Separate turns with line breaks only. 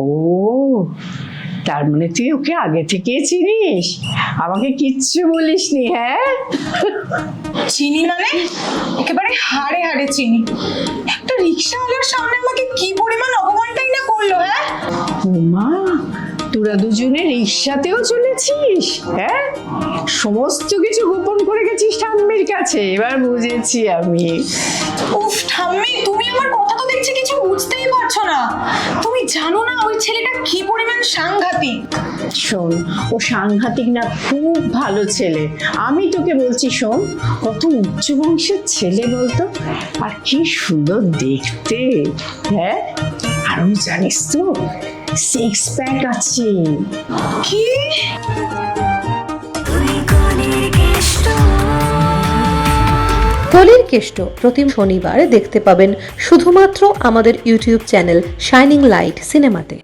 ও, তার মানে তুই ওকে আগে থেকেই চিনিস, আমাকে কিচ্ছু বলিসনি? হ্যাঁ,
চিনি মানে একেবারে হাড়ে হাড়ে চিনি। একটা রিক্সাওয়ালার সামনে আমাকে কি পরিমাণ অপমানটাই না করলো। হ্যাঁ,
মা, তোরা দুজনে রিক্সাতেও চলেছিস? হ্যাঁ, সমস্ত কিছু গোপন করে গেছিস ঠাম্মির কাছে, এবার বুঝেছি আমি।
উফ ঠাম্মি, তুমি আমার কথা তো দেখছি কিছু বুঝতেই পারছো না। তুমি জানো না ওই ছেলেটা কি পরিমাণ সাংঘাতিক।
শোন, ও সাংঘাতিক না, খুব ভালো ছেলে। আমি তোকে বলছি শোন, কত উচ্চ বংশের ছেলে বলতো, আর কি সুন্দর দেখতে। হ্যাঁ, আরো জানিস তো, 6 প্যাক আছে।
কি?
কলির কেষ্ট প্রতি শনিবার দেখতে পাবেন শুধুমাত্র আমাদের ইউটিউব চ্যানেল শাইনিং লাইট সিনেমাতে।